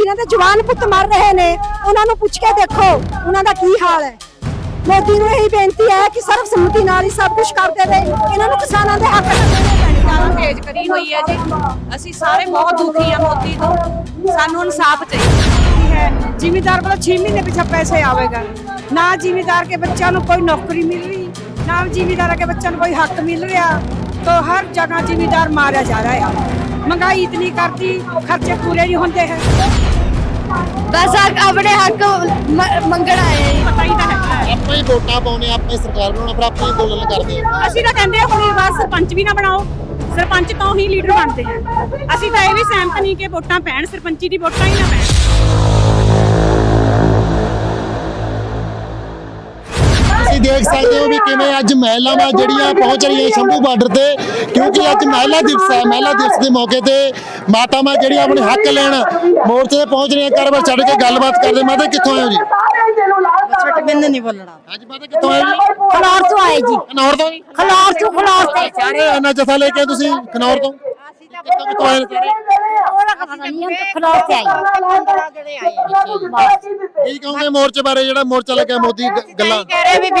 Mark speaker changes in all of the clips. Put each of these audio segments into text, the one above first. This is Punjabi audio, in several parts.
Speaker 1: जिन्हां दे जवान पुत मर रहे ने उन्हां नूं पुछ के देखो उन्हां दा की हाल है। मोदी नूं यही बेनती है कि सर्वसम्मति नाल ही सब कुछ कर देवे, इन्हां नूं किसानां दे हक
Speaker 2: ਜ਼ਿਆਦਾ ਤੇਜ਼ ਕਰੀ ਹੋਈ ਹੈ ਜੀ। ਅਸੀਂ ਸਾਰੇ ਬਹੁਤ ਦੁਖੀ ਆ ਮੋਦੀ ਤੋਂ, ਸਾਨੂੰ ਇਨਸਾਫ ਚਾਹੀਦਾ
Speaker 3: है। जिम्मेदार को 6 महीने पीछे पैसे आवेगा, ना जिम्मेदार के बच्चों को कोई नौकरी मिल रही, ना जिम्मेदार के बच्चों को कोई हक मिल रहा। तो हर जगह जिम्मेदार मारा जा रहा है। महंगाई इतनी करती, खर्चे पूरे नहीं होते हैं।
Speaker 4: बस अपने हक मंगण आए हैं।
Speaker 2: ਪਤਾ ਹੀ ਤਾਂ ਹੈ।
Speaker 5: ਆਪਾਂ ਹੀ ਵੋਟਾਂ ਪਾਉਣੇ, ਆਪਾਂ ਹੀ ਸਰਕਾਰ ਬਣਾਉਣਾ, ਫਿਰ ਆਪਾਂ ਹੀ ਅੰਦੋਲਨ ਕਰਦੇ ਹਾਂ।
Speaker 2: ਅਸੀਂ ਤਾਂ ਕਹਿੰਦੇ ਆ ਹੁਣ ਬਸ ਸਰਪੰਚ ਵੀ ਨਾ ਬਣਾਓ, ਸਰਪੰਚ ਤੋਂ ਹੀ ਲੀਡਰ ਬਣਦੇ ਆ। ਅਸੀਂ ਤਾਂ ਇਹ ਵੀ ਸਹਿਮਤ ਨਹੀਂ ਕਿ ਵੋਟਾਂ ਪੈਣ, ਸਰਪੰਚੀ ਦੀ ਵੋਟਾਂ ਹੀ ਨਾ ਪੈਣ।
Speaker 5: ਤੁਸੀਂ ਦੇਖ ਸਕਦੇ ਹੋ ਵੀ ਕਿਵੇਂ ਅੱਜ ਮਹਿਲਾਵਾਂ ਜਿਹੜੀਆਂ ਪਹੁੰਚ ਰਹੀਆਂ ਸ਼ੰਭੂ ਬਾਰਡਰ ਤੇ, ਕਿਉਂਕਿ ਅੱਜ ਮਹਿਲਾ ਦਿਵਸ ਹੈ। ਮਹਿਲਾ ਦਿਵਸ ਦੇ ਮੌਕੇ ਤੇ ਮਾਤਾਵਾਂ ਜਿਹੜੀਆਂ ਆਪਣੇ ਹੱਕ ਲੈਣ ਮੋਰਚੇ ਤੇ ਪਹੁੰਚ ਰਹੀਆਂ। ਘਰ-ਬਾਰ ਛੱਡ ਕੇ ਗੱਲਬਾਤ ਕਰਦੇ। ਮਾਤਾ ਕਿੱਥੋਂ ਆਏ ਹੋ ਜੀ?
Speaker 3: बिंद नहीं बोलना।
Speaker 5: ਅੱਜ ਮਾਤਾ ਕਿੱਥੋਂ ਆਏ ਜੀ?
Speaker 1: खलौर तो आए जी,
Speaker 5: ਖਨੌਰ ਤੋਂ ਜੀ?
Speaker 1: खलौर से
Speaker 5: ਸਾਰੇ ਇੰਨਾ ਜਥਾ ਲੈ ਕੇ ਤੁਸੀਂ ਖਨੌਰ ਤੋਂ ਕਿੱਥੋਂ ਆਏ ਸਾਰੇ?
Speaker 1: खलौर से आई।
Speaker 5: ਕੀ ਕਹੋਗੇ ਮੋਰਚੇ ਬਾਰੇ, ਜਿਹੜਾ ਮੋਰਚਾ ਲੱਗਿਆ ਮੋਦੀ ਗੱਲਾਂ?
Speaker 3: कह रहे भी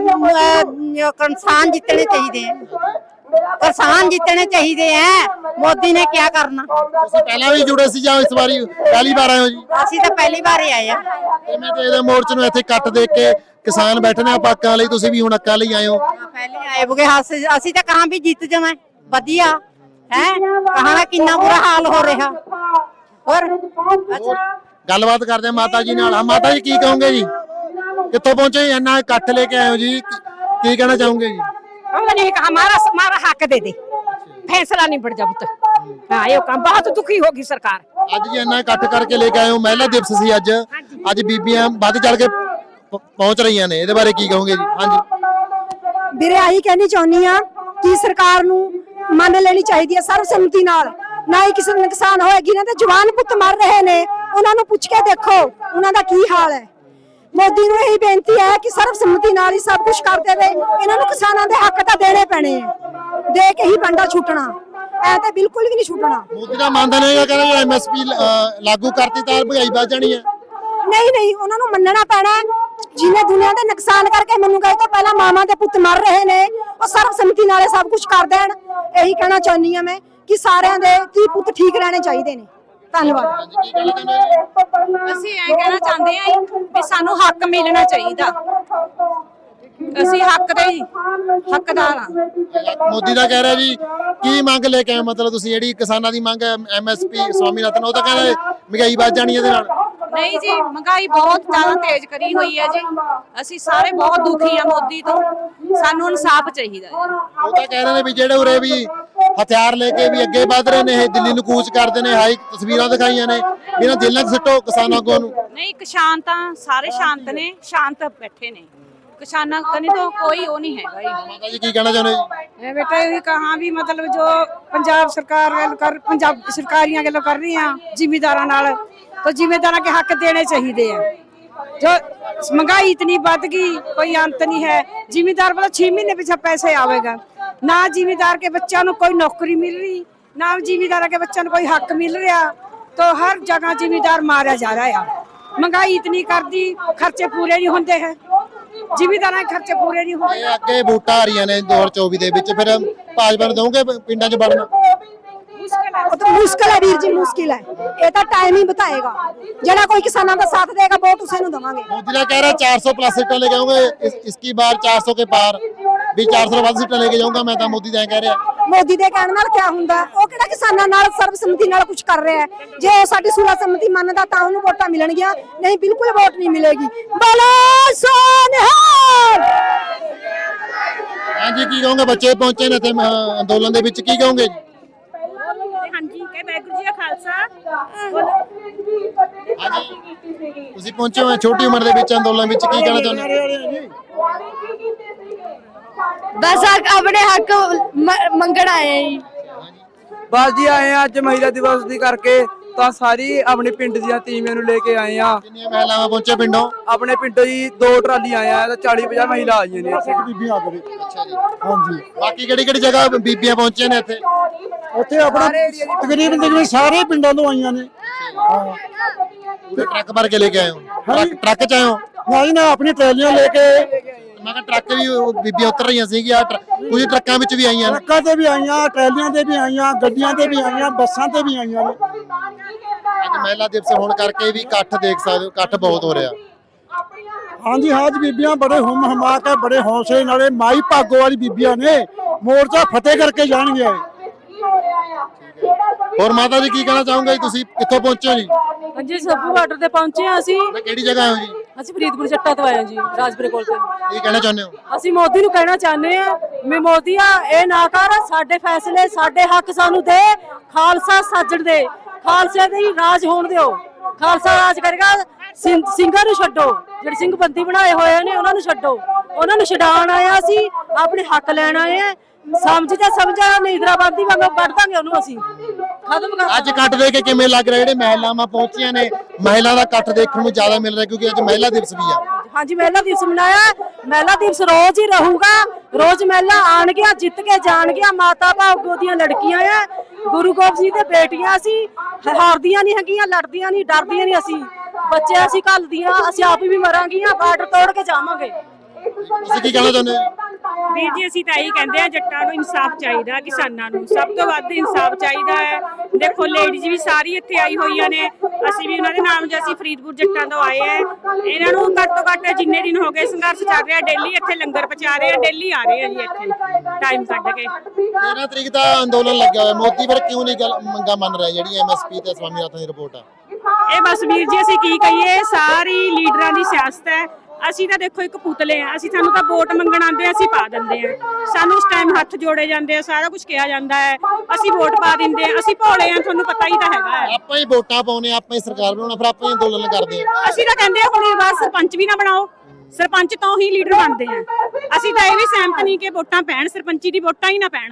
Speaker 3: किसान जितने चाहिए हैं, किसान जितने चाहिए हैं। मोदी ने क्या करना?
Speaker 5: ਤੁਸੀਂ ਪਹਿਲਾਂ ਵੀ ਜੁੜੇ ਸੀ ਜਾਂ ਇਸ ਵਾਰੀ ਪਹਿਲੀ ਵਾਰ ਆਏ ਹੋ ਜੀ?
Speaker 3: ਅਸੀਂ ਤਾਂ ਪਹਿਲੀ ਵਾਰ ਹੀ ਆਏ ਆ।
Speaker 5: ਕਿਵੇਂ ਦੇਖਦੇ ਮੋਰਚੇ ਨੂੰ? ਇੱਥੇ ਕੱਟ ਦੇਖ ਕੇ ਕਿਸਾਨ ਬੈਠੇ ਨੇ ਆਪਾਂ ਹੱਕਾਂ ਲਈ, ਤੁਸੀਂ ਵੀ ਹੁਣ ਹੱਕਾਂ ਲਈ ਆਏ ਹੋ।
Speaker 3: ਪਹਿਲੇ ਆਏ ਬੁਗੇ ਅਸੀਂ ਤਾਂ ਕਹਾਂ ਵੀ ਜਿੱਤ ਜਾਵਾਂ ਵਧੀਆ ਹੈ। ਕਹਾਂ ਕਿੰਨਾ ਬੁਰਾ ਹਾਲ ਹੋ ਰਿਹਾ। ਹੋਰ
Speaker 5: ਗੱਲਬਾਤ ਕਰਦੇ ਹਾਂ ਮਾਤਾ ਜੀ ਨਾਲ। ਹਾਂ ਮਾਤਾ ਜੀ ਕੀ ਕਹੋਗੇ ਜੀ? ਕਿੱਥੋਂ ਪਹੁੰਚੇ? ਇੰਨਾ ਇਕੱਠ ਲੈ ਕੇ ਆਏ ਹੋ ਜੀ, ਕੀ ਕਹਿਣਾ ਚਾਹੋਗੇ ਜੀ?
Speaker 2: उन्होंने कहा हमारा हक दे दे, फैसला नहीं बढ़ जा पुत्र। हाँ ये काम बहुत दुखी होगी सरकार।
Speaker 5: ਅੱਜ ਜੀ ਇੰਨਾ ਇਕੱਠ ਕਰਕੇ ਲੈ ਕੇ ਆਏ ਹੋ। ਮਹਿਲਾ ਦਿਵਸ ਸੀ ਅੱਜ। ਅੱਜ ਬੀਬੀਆਂ ਵੱਧ ਚੜ ਕੇ ਪਹੁੰਚ ਰਹੀਆਂ ਨੇ, ਇਹਦੇ ਬਾਰੇ ਕੀ ਕਹੋਗੇ ਜੀ? ਹਾਂਜੀ
Speaker 1: ਵੀਰੇ ਆਹੀ ਕਹਿਣੀ ਚਾਹੁੰਦੀ ਆ ਕਿ ਸਰਕਾਰ ਨੂੰ ਮੰਨ ਲੈਣੀ ਚਾਹੀਦੀ ਹੈ ਸਰਵਸੰਮਤੀ ਨਾਲ। ਨਾ ਹੀ ਕਿਸੇ ਨੂੰ ਨੁਕਸਾਨ ਹੋਏ। ਜਿਨ੍ਹਾਂ ਦੇ ਜਵਾਨ ਪੁੱਤ ਮਰ ਰਹੇ ਨੇ ਉਹਨਾਂ ਨੂੰ ਪੁੱਛ ਕੇ ਦੇਖੋ ਉਹਨਾਂ ਦਾ ਕੀ ਹਾਲ ਹੈ। ਮੋਦੀ ਨੂੰ ਇਹੀ ਬੇਨਤੀ ਹੈ ਕਿ ਸਰਵਸੰਮਤੀ ਨਾਲ ਹੀ ਸਭ ਕੁਝ ਕਰ ਦੇਵੇ, ਇਹਨਾਂ ਨੂੰ ਕਿਸਾਨਾਂ ਦੇ ਹੱਕ ਤਾਂ ਦੇਣੇ ਪੈਣੇ ਆ। ਦੇ ਕੇ ਹੀ ਬੰਦਾ ਛੁੱਟਣਾ, ਐ ਤਾਂ ਬਿਲਕੁਲ ਵੀ ਨਹੀਂ ਛੁੱਟਣਾ।
Speaker 5: ਮੋਦੀ ਦਾ ਮੰਨਦਾ ਨਹੀਂ ਹੈਗਾ, ਕਹਿੰਦਾ ਐਮਐਸਪੀ ਲਾਗੂ ਕਰਤੀ ਤਾਂ ਭਗਾਈ ਵੱਧ ਜਾਣੀ ਹੈ।
Speaker 1: ਨਹੀਂ ਉਹਨਾਂ ਨੂੰ ਮੰਨਣਾ ਪੈਣਾ। ਜਿਹਨੇ ਦੁਨੀਆ ਦੇ ਨੁਕਸਾਨ ਕਰਕੇ ਮੰਨੂਗਾ, ਇਹ ਤੋਂ ਪਹਿਲਾਂ ਮਾਮਾ ਦੇ ਪੁੱਤ ਮਰ ਰਹੇ ਨੇ, ਉਹ ਸਰਵਸੰਮਤੀ ਨਾਲ ਸਭ ਕੁਝ ਕਰ ਦੇਣ। ਇਹੀ ਕਹਿਣਾ ਚਾਹੁੰਦੀ ਆ ਮੈਂ ਕਿ ਸਾਰਿਆਂ ਦੇ ਧੀ ਪੁੱਤ ਠੀਕ ਰਹਿਣੇ ਚਾਹੀਦੇ ਨੇ। ਧੰਨਵਾਦ।
Speaker 2: ਅਸੀਂ ਇਹ ਕਹਿਣਾ ਚਾਹੁੰਦੇ ਹਾਂ ਵੀ ਸਾਨੂੰ ਹੱਕ ਮਿਲਣਾ ਚਾਹੀਦਾ। ਅਸੀਂ ਹੱਕ ਦੇ ਹੱਕਦਾਰ ਹਾਂ।
Speaker 5: ਮੋਦੀ ਦਾ ਕਹਿ ਰਿਹਾ ਜੀ ਕੀ ਮੰਗ ਲੈ ਕੇ ਆਏ? ਮਤਲਬ ਤੁਸੀਂ ਜਿਹੜੀ ਕਿਸਾਨਾਂ ਦੀ ਮੰਗ ਹੈ ਐਮਐਸਪੀ ਸਵਾਮੀਨਾਥਨ, ਉਹ ਤਾਂ ਕਹਿੰਦਾ ਮਹਿੰਗਾਈ ਵੱਧ ਜਾਣੀ ਇਹਦੇ ਨਾਲ।
Speaker 2: ਨਹੀਂ ਜੀ, ਮਹਿੰਗਾਈ ਬਹੁਤ ਜ਼ਿਆਦਾ ਤੇਜ਼ ਕਰੀ ਹੋਈ ਹੈ ਜੀ। ਅਸੀਂ ਸਾਰੇ ਬਹੁਤ ਦੁਖੀ ਆ ਮੋਦੀ ਤੋਂ, ਸਾਨੂੰ ਇਨਸਾਫ ਚਾਹੀਦਾ ਹੈ।
Speaker 5: ਉਹ ਤਾਂ ਕਹਿ ਰਹੇ ਨੇ ਵੀ ਜਿਹੜੇ ਉਰੇ ਵੀ ਹਥਿਆਰ ਲੈ ਕੇ ਵੀ ਅੱਗੇ ਵਧ ਰਹੇ ਨੇ, ਇਹ ਦਿੱਲੀ ਨੂੰ ਕੂਚ ਕਰਦੇ ਨੇ। ਹਾਈ ਤਸਵੀਰਾਂ ਦਿਖਾਈਆਂ ਨੇ, ਇਹਨਾਂ ਜੇਲ੍ਹਾਂ 'ਚ ਸਿੱਟੋ ਕਿਸਾਨਾਂ ਨੂੰ।
Speaker 2: ਨਹੀਂ, ਕਿਸਾਨ ਤਾਂ ਸਾਰੇ ਸ਼ਾਂਤ ਨੇ, ਸ਼ਾਂਤ ਬੈਠੇ ਨੇ। किसानों कने तो कोई वो नहीं है भाई।
Speaker 5: माता जी की कहना चाहते हैं?
Speaker 3: बेटा ये कहाँ भी मतलब जो पंजाब सरकार पंजाब सरकारियां गल्लों कर रही हैं जिम्मेदारां नाल, तो जिम्मेदारां के हक देने चाहिए हैं। जो महंगाई इतनी बढ़ गई, कोई अंत नहीं है। जिम्मेदार को 6 महीने पीछे पैसे आवेगा, ना जिम्मेदार के बच्चों को कोई नौकरी मिल रही, ना जिम्मेदार के बच्चों को कोई हक मिल रहा। तो हर जगह जिम्मेदार मारा जा रहा है। महंगाई इतनी कर दी, खर्चे पूरे नहीं होते हैं। ਜ਼ਿਮੀਦਾਰਾਂ ਦੇ ਖਰਚੇ ਪੂਰੇ ਨਹੀਂ ਹੋਏ।
Speaker 5: ਇਹ ਅੱਗੇ ਵੋਟਾਂ ਆ ਰਹੀਆਂ ਨੇ 2024 ਦੇ ਵਿੱਚ, ਫਿਰ ਭਾਜਪਾ ਨੂੰ ਦੋਗੇ ਪਿੰਡਾਂ 'ਚ ਵੜਨਾ?
Speaker 1: ਉਹ ਤਾਂ ਮੁਸ਼ਕਿਲ ਹੈ ਵੀਰ ਜੀ, ਮੁਸ਼ਕਿਲ ਹੈ। ਇਹ ਤਾਂ ਟਾਈਮ ਹੀ ਬਤਾਏਗਾ। ਜਿਹੜਾ ਕੋਈ ਕਿਸਾਨਾਂ ਦਾ ਸਾਥ ਦੇਗਾ ਵੋਟ ਉਸੇ ਨੂੰ ਦਵਾਂਗੇ।
Speaker 5: मोदी का कह रहा है 400 प्लस सीटें लेके आऊंगे इसकी बार, 400 के पार भी 400 ਵੱਧ सीटें लेके जाऊंगा मैं। तो मोदी कह रहा है।
Speaker 1: ਮੋਦੀ ਦੇ ਕਹਿਣ ਨਾਲ ਕੀ ਹੁੰਦਾ? ਉਹ ਕਿਹੜਾ ਕਿਸਾਨਾਂ ਨਾਲ ਸਰਬਸੰਮਤੀ ਨਾਲ ਕੁਝ ਕਰ ਰਿਹਾ ਹੈ? ਜੇ ਉਹ ਸਾਡੀ ਸਰਬਸੰਮਤੀ ਮੰਨਦਾ ਤਾਂ ਉਹਨੂੰ ਵੋਟਾਂ ਮਿਲਣਗੀਆਂ, ਨਹੀਂ ਬਿਲਕੁਲ ਵੋਟ ਨਹੀਂ ਮਿਲੇਗੀ। ਬੋਲੋ ਸੋਨਿਹਾਲ।
Speaker 5: हाँ जी, की कहोगे? बच्चे पहुंचे ने अंदोलन ਦੇ ਵਿੱਚ, ਕੀ ਕਹੋਗੇ ਜੀ?
Speaker 2: ਹਾਂਜੀ, ਕਹੇ ਵਾਹਿਗੁਰੂ ਜੀ ਦਾ ਖਾਲਸਾ।
Speaker 5: ਹਾਂਜੀ, ਤੁਸੀਂ ਪਹੁੰਚੇ ਹੋ ਛੋਟੀ ਉਮਰ ਦੇ ਵਿੱਚ ਅੰਦੋਲਨ ਵਿੱਚ, ਕੀ ਕਹਿਣਾ ਚਾਹੁੰਦੇ ਹੋ?
Speaker 4: बस अपने हक मंगण आए हैं।
Speaker 6: बस जी आए हैं अज महिला दिवस दी करके, तो सारी अपने पिंड दी टीमें नूं लेके आए हैं।
Speaker 5: ਕਿੰਨੀਆਂ ਮਹਿਲਾਵਾਂ ਪਹੁੰਚੇ ਪਿੰਡੋਂ?
Speaker 6: अपने पिंडों जी 2 ट्राली आए हैं, तो 40-50 महिला आई ने।
Speaker 5: ਅੱਛਾ ਜੀ। ਹਾਂਜੀ, ਬਾਕੀ ਕਿਹੜੀ ਕਿਹੜੀ ਜਗ੍ਹਾ ਬੀਬੀਆਂ ਪਹੁੰਚੀਆਂ ਨੇ ਇੱਥੇ?
Speaker 7: ਉੱਥੇ ਆਪਣਾ ਤਕਰੀਬਨ ਸਾਰੇ ਪਿੰਡਾਂ ਤੋਂ ਆਈਆਂ ਨੇ।
Speaker 5: ਤੇ ਟਰੱਕ ਭਰ ਕੇ ਲੈ ਕੇ ਆਏ ਹੋ? ਟਰੱਕ ਚ ਆਏ ਹੋ?
Speaker 7: ਨਹੀਂ ਨਾ, ਆਪਣੀ ਟਰਾਲੀਆਂ ਲੈ ਕੇ।
Speaker 5: ਮੈਂ ਕਿਹਾ ਟਰੱਕ ਵੀ ਬੀਬੀਆਂ ਉਤਰ ਰਹੀਆਂ ਸੀਗੀਆਂ, ਕੁਝ ਟਰੱਕਾਂ ਵਿੱਚ ਵੀ ਆਈਆਂ ਨੇ।
Speaker 7: ਟਰੱਕਾਂ ਤੇ ਵੀ ਆਈਆਂ, ਟਰਾਲੀਆਂ ਤੇ ਵੀ ਆਈਆਂ, ਗੱਡੀਆਂ ਤੇ ਵੀ ਆਈਆਂ, ਬੱਸਾਂ ਤੇ ਵੀ ਆਈਆਂ ਨੇ।
Speaker 5: ਅੱਜ ਮਹਿਲਾ ਦਿਵਸ ਹੋਣ ਕਰਕੇ ਵੀ ਇਕੱਠ ਦੇਖ ਸਕਦੇ ਹੋ, ਇਕੱਠ ਬਹੁਤ ਹੋ ਰਿਹਾ।
Speaker 7: ਹਾਂਜੀ ਹਾਂ ਜੀ, ਬੀਬੀਆਂ ਬੜੇ ਹੁਮ ਹਮਾ ਕੇ ਬੜੇ ਹੌਸਲੇ ਨਾਲੇ ਮਾਈ ਭਾਗੋ ਵਾਲੀ ਬੀਬੀਆਂ ਨੇ ਮੋਰਚਾ ਫਤਿਹ ਕਰਕੇ ਜਾਣਗੇ।
Speaker 5: ਹੋਰ ਮਾਤਾ ਜੀ ਕੀ ਕਹਿਣਾ ਚਾਹੋਗੇ ਜੀ? ਤੁਸੀਂ ਕਿੱਥੋਂ ਪਹੁੰਚੇ ਹੋ ਜੀ?
Speaker 8: ਹਾਂਜੀ, ਸੱਭੂ ਬਾਰਡਰ ਤੇ ਪਹੁੰਚੇ ਹਾਂ ਅਸੀਂ।
Speaker 5: ਤੇ ਕਿਹੜੀ ਜਗ੍ਹਾ ਹੋ ਜੀ?
Speaker 8: ਅਸੀਂ ਫਰੀਦਪੁਰ ਜੱਟਾਂ ਤੋਂ ਆਏ ਹਾਂ ਜੀ, ਰਾਜਪੁਰੇ ਕੋਲ ਤੇ।
Speaker 5: ਕੀ ਕਹਿਣਾ ਚਾਹੁੰਦੇ ਹੋ?
Speaker 8: ਅਸੀਂ ਮੋਦੀ ਨੂੰ ਕਹਿਣਾ ਚਾਹੁੰਦੇ ਹਾਂ ਵੀ ਮੋਦੀਆ ਇਹ ਨਾ ਕਰ, ਸਾਡੇ ਫੈਸਲੇ ਸਾਡੇ ਹੱਕ ਸਾਨੂੰ ਦੇ, ਖਾਲਸਾ ਸਾਜਣ ਦੇ, ਖਾਲਸੇ ਦੇ ਹੀ ਰਾਜ ਹੋਣ ਦਿਓ। ਖਾਲਸਾ ਰਾਜ ਕਰੇਗਾ, ਸਿੰਘਾਂ ਨੂੰ ਛੱਡੋ, ਜਿਹੜੇ ਸਿੰਘ ਬੰਦੀ ਬਣਾਏ ਹੋਏ ਨੇ ਉਹਨਾਂ ਨੂੰ ਛੱਡੋ। ਉਹਨਾਂ ਨੂੰ ਛਡਾਉਣ ਆਏ ਆ, ਅਸੀਂ ਆਪਣੇ ਹੱਕ ਲੈਣ ਆਏ ਆ। ਸਮਝਾ ਨਹੀਂ, ਇੰਦਰਾਬਾਦੀ ਵਾਂਗ ਵੱਢ ਦਾਂਗੇ ਉਹਨੂੰ ਅਸੀਂ, ਖਤਮ ਕਰ।
Speaker 5: ਅੱਜ ਇਕੱਠ ਦੇਖ ਕੇ ਕਿਵੇਂ ਲੱਗ ਰਿਹਾ? ਜਿਹੜੇ ਮਹਿਲਾਵਾਂ ਪਹੁੰਚੀਆਂ ਨੇ, ਮਹਿਲਾ ਦਾ ਇਕੱਠ ਦੇਖਣ ਨੂੰ ਜ਼ਿਆਦਾ ਮਿਲ ਰਿਹਾ ਕਿਉਂਕਿ ਅੱਜ ਮਹਿਲਾ ਦਿਵਸ ਵੀ ਆ।
Speaker 8: ਹਾਂਜੀ, ਮਹਿਲਾ ਦਿਵਸ ਮਨਾਇਆ। ਮਹਿਲਾ ਦਿਵਸ ਰੋਜ਼ ਹੀ ਰਹੂਗਾ, ਰੋਜ਼ ਮਹਿਲਾ ਆਣਗੀਆਂ, ਜਿੱਤ ਕੇ ਜਾਣਗੀਆਂ। ਮਾਤਾ ਭਾਗੋ ਦੀਆਂ ਲੜਕੀਆਂ ਆ, ਗੁਰੂ ਗੋਬਿੰਦ ਸਿੰਘ ਦੇ ਬੇਟੀਆਂ। ਅਸੀਂ ਹਾਰਦੀਆਂ ਨਹੀਂ ਹੈਗੀਆਂ, ਲੜਦੀਆਂ ਨਹੀਂ, ਡਰਦੀਆਂ ਨਹੀਂ। ਅਸੀਂ ਬੱਚੇ ਅਸੀਂ ਘੱਲਦੀਆਂ, ਅਸੀਂ ਆਪ ਵੀ ਮਰਾਂਗੀਆਂ, ਬਾਰਡਰ ਤੋੜ ਕੇ ਜਾਵਾਂਗੇ।
Speaker 5: ਤੁਸੀਂ ਕੀ ਕਹਿਣਾ ਚਾਹੁੰਦੇ ਹੋ?
Speaker 2: ਵੀਰ ਜੀ, ਅਸੀਂ ਤਾਂ ਇਹੀ ਕਹਿੰਦੇ ਆ, ਜੱਟਾਂ ਨੂੰ ਇਨਸਾਫ ਚਾਹੀਦਾ, ਕਿਸਾਨਾਂ ਨੂੰ ਸਭ ਤੋਂ ਵੱਧ ਇਨਸਾਫ ਚਾਹੀਦਾ ਹੈ। ਦੇਖੋ ਲੇਡੀਜ਼ ਵੀ ਸਾਰੀ ਇੱਥੇ ਆਈ ਹੋਈਆਂ ਨੇ, ਅਸੀਂ ਵੀ ਉਹਨਾਂ ਦੇ ਨਾਮ ਜੇ ਅਸੀਂ ਫਰੀਦਪੁਰ ਜੱਟਾਂ ਤੋਂ ਆਏ ਆ। ਇਹਨਾਂ ਨੂੰ ਘੱਟ ਤੋਂ ਘੱਟ ਜਿੰਨੇ ਦਿਨ ਹੋ ਗਏ ਸੰਘਰਸ਼ ਚੱਲ ਰਿਹਾ, ਡੇਲੀ ਇੱਥੇ ਲੰਗਰ ਪਹੁੰਚਾ ਰਹੇ ਆ, ਡੇਲੀ ਆ ਰਹੇ ਆ ਜੀ ਇੱਥੇ ਟਾਈਮ ਕੱਢ ਕੇ।
Speaker 5: 13 ਤਰੀਕ ਦਾ ਅੰਦੋਲਨ ਲੱਗਿਆ ਹੋਇਆ, ਮੋਦੀ ਪਰ ਕਿਉਂ ਨਹੀਂ ਗੱਲ ਮੰਗਾ ਮੰਨ ਰਿਹਾ ਜਿਹੜੀ ਐਮਐਸਪੀ ਤੇ ਸਵਾਮੀਨਾਥਨ ਦੀ ਰਿਪੋਰਟ ਆ?
Speaker 2: ਇਹ ਬਸ ਵੀਰ ਜੀ ਅਸੀਂ ਕੀ ਕਹੀਏ, ਸਾਰੀ ਲੀਡਰਾਂ ਦੀ ਸਿਆਸਤ ਹੈ। ਅਸੀਂ ਤਾਂ ਦੇਖੋ ਇੱਕ ਪੁਤਲੇ ਆ, ਅਸੀਂ ਸਾਨੂੰ ਤਾਂ ਵੋਟ ਮੰਗਣ ਆਉਂਦੇ ਆ, ਅਸੀਂ ਪਾ ਦਿੰਦੇ ਆ। ਸਾਨੂੰ ਉਸ ਟਾਈਮ ਹੱਥ ਜੋੜੇ ਜਾਂਦੇ ਆ, ਸਾਰਾ ਕੁਝ ਕਿਹਾ ਜਾਂਦਾ ਹੈ, ਅਸੀਂ ਵੋਟ ਪਾ ਦਿੰਦੇ ਆ। ਅਸੀਂ ਭੋਲੇ ਆ, ਤੁਹਾਨੂੰ ਪਤਾ ਹੀ ਤਾਂ ਹੈਗਾ ਹੈ।
Speaker 5: ਆਪਾਂ ਹੀ ਵੋਟਾਂ ਪਾਉਨੇ, ਆਪਾਂ ਹੀ ਸਰਕਾਰ ਬਣਾਉਣਾ, ਫਿਰ ਆਪਾਂ ਹੀ ਅੰਦੋਲਨ ਕਰਦੇ ਆ।
Speaker 2: ਅਸੀਂ ਤਾਂ ਕਹਿੰਦੇ ਆ ਹੁਣ ਇਹ ਵਾਰ ਸਰਪੰਚ ਵੀ ਨਾ ਬਣਾਓ, ਸਰਪੰਚ ਤੋਂ ਹੀ ਲੀਡਰ ਬਣਦੇ ਆ। ਅਸੀਂ ਤਾਂ ਇਹ ਵੀ ਸਹਿਮਤ ਨਹੀਂ ਕਿ ਵੋਟਾਂ ਪੈਣ, ਸਰਪੰਚੀ ਦੀ ਵੋਟਾਂ ਹੀ ਨਾ ਪੈਣ।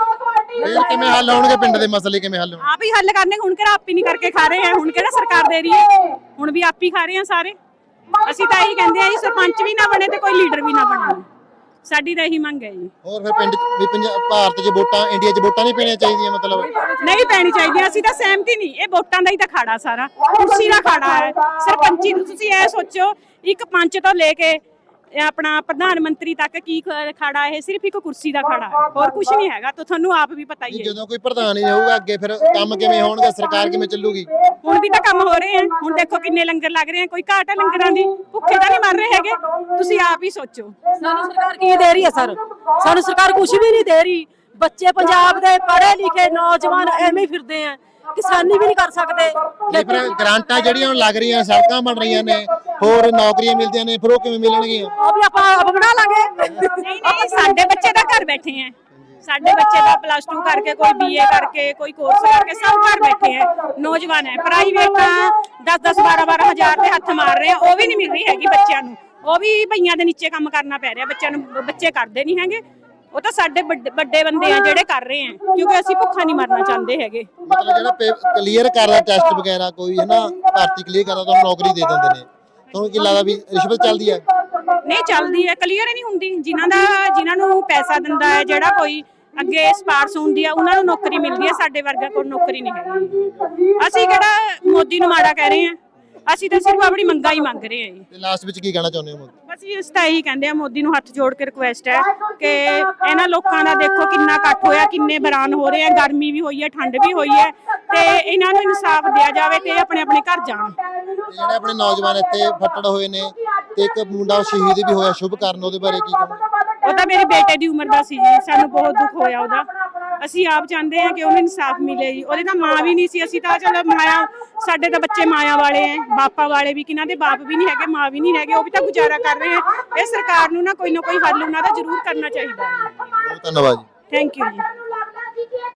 Speaker 5: ਫਿਰ ਕਿਵੇਂ ਹੱਲ ਹੋਣਗੇ ਪਿੰਡ ਦੇ ਮਸਲੇ? ਕਿਵੇਂ ਹੱਲ ਹੋਣਗੇ?
Speaker 2: ਆਪ ਹੀ ਹੱਲ ਕਰਨੇ। ਹੁਣ ਕਿਹੜਾ ਆਪ ਹੀ ਨਹੀਂ ਕਰਕੇ ਖਾ ਰਹੇ ਆ, ਹੁਣ ਕਿਹੜਾ ਸਰਕਾਰ ਦੇ ਰਹੀ ਹੈ, ਹੁਣ ਵੀ ਆਪ ਹੀ ਖਾ ਰਹੇ ਆ ਸਾਰੇ। ਅਸੀਂ ਤਾਂ ਇਹੀ ਕਹਿੰਦੇ ਆ ਜੀ, ਸਰਪੰਚ ਵੀ ਨਾ ਬਣੇ ਤੇ ਕੋਈ ਲੀਡਰ ਵੀ ਨਾ ਬਣੇ, ਸਾਡੀ ਤਾਂ ਇਹੀ ਮੰਗ ਹੈ ਜੀ।
Speaker 5: ਹੋਰ ਫਿਰ ਪਿੰਡ ਵੀ ਭਾਰਤ 'ਚ ਵੋਟਾਂ, ਇੰਡੀਆ 'ਚ ਵੋਟਾਂ ਨਹੀਂ ਪੈਣੀਆਂ ਚਾਹੀਦੀਆਂ? ਮਤਲਬ
Speaker 2: ਨਹੀਂ ਪੈਣੀ ਚਾਹੀਦੀਆਂ, ਅਸੀਂ ਤਾਂ ਸਹਿਮਤ ਹੀ ਨਹੀਂ। ਇਹ ਵੋਟਾਂ ਦਾ ਹੀ ਤਾਂ ਖਾੜਾ, ਸਾਰਾ ਕੁਰਸੀ ਦਾ ਖਾੜਾ ਹੈ। ਸਰਪੰਚੀ ਤੁਸੀਂ ਇਹ ਸੋਚੋ, ਇੱਕ ਪੰਚ ਤੋਂ ਲੈ ਕੇ ਆਪਣਾ ਪ੍ਰਧਾਨ ਮੰਤਰੀ ਤੱਕ ਕੀ ਖਾੜਾ, ਇਹ ਸਿਰਫ ਇੱਕ ਕੁਰਸੀ ਦਾ ਖਾੜਾ ਹੈ, ਹੋਰ ਕੁਝ ਨਹੀਂ ਹੈਗਾ। ਤਾਂ ਤੁਹਾਨੂੰ ਆਪ ਵੀ ਪਤਾ ਹੀ ਹੈ।
Speaker 5: ਜਦੋਂ ਕੋਈ ਪ੍ਰਧਾਨ ਹੀ ਹੋਊਗਾ ਅੱਗੇ, ਫਿਰ ਕੰਮ ਕਿਵੇਂ ਹੋਣਗੇ? ਸਰਕਾਰ ਕਿਵੇਂ ਚੱਲੂਗੀ?
Speaker 2: ਹੁਣ ਵੀ ਤਾਂ ਕੰਮ ਹੋ ਰਹੇ ਆ, ਹੁਣ ਦੇਖੋ ਕਿੰਨੇ ਲੰਗਰ ਲੱਗ ਰਹੇ ਆ, ਕੋਈ ਘਾਟ ਹੈ ਲੰਗਰਾਂ ਦੀ? ਭੁੱਖੇ ਤਾਂ ਨਹੀਂ ਮਰ ਰਹੇ ਹੈਗੇ, ਤੁਸੀਂ ਆਪ ਹੀ ਸੋਚੋ।
Speaker 8: ਸਾਨੂੰ ਸਰਕਾਰ ਕੀ ਦੇ ਰਹੀ ਹੈ ਸਰ? ਸਾਨੂੰ ਸਰਕਾਰ ਕੁਝ ਵੀ ਨਹੀਂ ਦੇ ਰਹੀ। ਬੱਚੇ ਪੰਜਾਬ ਦੇ ਪੜ੍ਹੇ ਲਿਖੇ ਨੌਜਵਾਨ ਐਵੇਂ ਹੀ ਫਿਰਦੇ ਆ, ਕਿਸਾਨੀ ਵੀ ਨਹੀਂ ਕਰ ਸਕਦੇ।
Speaker 5: ਫਿਰ ਗ੍ਰਾਂਟਾਂ ਜਿਹੜੀਆਂ ਹੁਣ ਲੱਗ ਰਹੀਆਂ, ਸੜਕਾਂ ਬਣ ਰਹੀਆਂ ਨੇ, ਹੋਰ ਨੌਕਰੀਆਂ ਮਿਲਦੀਆਂ ਨੇ, ਫਿਰ ਉਹ ਕਿਵੇਂ ਮਿਲਣਗੀਆਂ?
Speaker 8: ਉਹ ਵੀ ਆਪਾਂ ਆਪ ਬਣਾ ਲਾਂਗੇ।
Speaker 2: ਨਹੀਂ, ਸਾਡੇ ਬੱਚੇ ਤਾਂ ਘਰ ਬੈਠੇ ਆ। ਸਾਡੇ ਬੱਚੇ ਤਾਂ +2 ਕਰਕੇ, ਕੋਈ BA ਕਰਕੇ, ਕੋਈ ਕੋਰਸ ਕਰਕੇ, ਸਭ ਘਰ ਬੈਠੇ ਆ, ਨੌਜਵਾਨ ਹੈ। ਪ੍ਰਾਈਵੇਟ ਤਾਂ 10-10 12-12 ਹਜ਼ਾਰ ਦੇ ਹੱਥ ਮਾਰ ਰਹੇ ਆ, ਉਹ ਵੀ ਨਹੀਂ ਮਿਲ ਰਹੀ ਹੈਗੀ ਬੱਚਿਆਂ ਨੂੰ। ਉਹ ਵੀ ਭਈਆਂ ਦੇ ਨੀਚੇ ਕੰਮ ਕਰਨਾ ਪੈ ਰਿਹਾ ਬੱਚਿਆਂ ਨੂੰ, ਬੱਚੇ ਕਰਦੇ ਨਹੀਂ ਹੈਗੇ। ਉਹ ਤਾਂ ਸਾਡੇ ਵੱਡੇ ਬੰਦੇ ਆ ਜਿਹੜੇ ਕਰ ਰਹੇ ਆ, ਕਿਉਂਕਿ ਅਸੀਂ ਭੁੱਖਾ ਨਹੀਂ ਮਰਨਾ ਚਾਹੁੰਦੇ ਹੈਗੇ।
Speaker 5: ਮਤਲਬ ਜਿਹੜਾ ਕਲੀਅਰ ਕਰਦਾ ਟੈਸਟ ਵਗੈਰਾ, ਕੋਈ ਹੈ ਨਾ ਭਰਤੀ ਕਲੀਅਰ ਕਰਦਾ, ਤੁਹਾਨੂੰ ਨੌਕਰੀ ਦੇ ਦਿੰਦੇ ਨੇ। ਤੁਹਾਨੂੰ ਕੀ ਲੱਗਦਾ ਵੀ ਰਿਸ਼ਵਤ ਚੱਲਦੀ ਹੈ?
Speaker 2: ਨਹੀਂ ਚੱਲਦੀ ਹੈ, ਕਲੀਅਰ ਹੀ ਨਹੀਂ ਹੁੰਦੀ। ਜਿਨ੍ਹਾਂ ਨੂੰ ਪੈਸਾ ਦਿੰਦਾ ਹੈ, ਜਿਹੜਾ ਕੋਈ ਅੱਗੇ ਸਪਾਰਸ਼ ਹੁੰਦੀ ਆ, ਉਹਨਾਂ ਨੂੰ ਨੌਕਰੀ ਮਿਲਦੀ ਹੈ। ਸਾਡੇ ਵਰਗਾ ਕੋਲ ਨੌਕਰੀ ਨਹੀਂ ਹੈਗੀ। ਅਸੀਂ ਕਿਹੜਾ ਮੋਦੀ ਨੂੰ ਮਾੜਾ ਕਹਿ ਰਹੇ ਹਾਂ, ਅਸੀਂ ਤਾਂ ਸਿਰਫ ਆਪਣੀ ਮੰਗਾਂ ਹੀ ਮੰਗ ਰਹੇ ਹਾਂ ਜੀ।
Speaker 5: ਤੇ ਲਾਸਟ ਵਿੱਚ ਕੀ ਕਹਿਣਾ ਚਾਹੁੰਦੇ ਹੋ?
Speaker 2: ਬਸ ਇਸ ਤਾਂ ਇਹੀ ਕਹਿੰਦੇ ਆ, ਮੋਦੀ ਨੂੰ ਹੱਥ ਜੋੜ ਕੇ ਰਿਕੁਐਸਟ ਹੈ ਕਿ ਇਹਨਾਂ ਲੋਕਾਂ ਦਾ ਦੇਖੋ ਕਿੰਨਾ ਇਕੱਠ ਹੋਇਆ, ਕਿੰਨੇ ਬਰਾਨ ਹੋ ਰਹੇ ਆ, ਗਰਮੀ ਵੀ ਹੋਈ ਹੈ, ਠੰਡ ਵੀ ਹੋਈ ਹੈ, ਤੇ ਇਹਨਾਂ ਨੂੰ ਇਨਸਾਫ ਦਿਆ ਜਾਵੇ ਤੇ ਆਪਣੇ ਆਪਣੇ ਘਰ ਜਾਣ।
Speaker 5: ਜਿਹੜੇ ਆਪਣੇ ਨੌਜਵਾਨ ਇੱਥੇ ਫੱਟੜ ਹੋਏ ਨੇ, ਤੇ ਇੱਕ ਮੁੰਡਾ ਸ਼ਹੀਦ ਵੀ ਹੋਇਆ ਸ਼ੁਭ ਕਰਨ, ਉਹਦੇ ਬਾਰੇ ਕੀ ਕਹੋਗੇ?
Speaker 2: ਉਹ ਤਾਂ ਮੇਰੇ ਬੇਟੇ ਦੀ ਉਮਰ ਦਾ ਸੀ ਜੀ, ਸਾਨੂੰ ਬਹੁਤ ਦੁੱਖ ਹੋਇਆ ਉਹਦਾ। ਅਸੀਂ ਆਪ ਚਾਹੁੰਦੇ ਹਾਂ ਕਿ ਉਹਨੂੰ ਇਨਸਾਫ ਮਿਲੇ ਜੀ। ਉਹਦੇ ਤਾਂ ਮਾਂ ਵੀ ਨਹੀਂ ਸੀ, ਅਸੀਂ ਤਾਂ ਚਲੋ ਮਾਇਆ, ਸਾਡੇ ਤਾਂ ਬੱਚੇ ਮਾਇਆ ਵਾਲੇ ਐ, ਬਾਪਾ ਵਾਲੇ ਵੀ, ਕਿਨਾਂ ਦੇ ਬਾਪ ਵੀ ਨਹੀਂ ਹੈਗੇ, ਮਾਂ ਵੀ ਨਹੀਂ ਹੈਗੇ, ਉਹ ਵੀ ਤਾਂ ਗੁਜ਼ਾਰਾ ਕਰ ਰਹੇ ਆ। ਇਹ ਸਰਕਾਰ ਨੂੰ ਨਾ ਕੋਈ ਹੱਲ ਉਹਨਾਂ ਦਾ ਜ਼ਰੂਰ ਕਰਨਾ ਚਾਹੀਦਾ ਹੈ।
Speaker 5: ਬਹੁਤ ਧੰਨਵਾਦ ਜੀ।
Speaker 2: ਥੈਂਕ ਯੂ ਜੀ।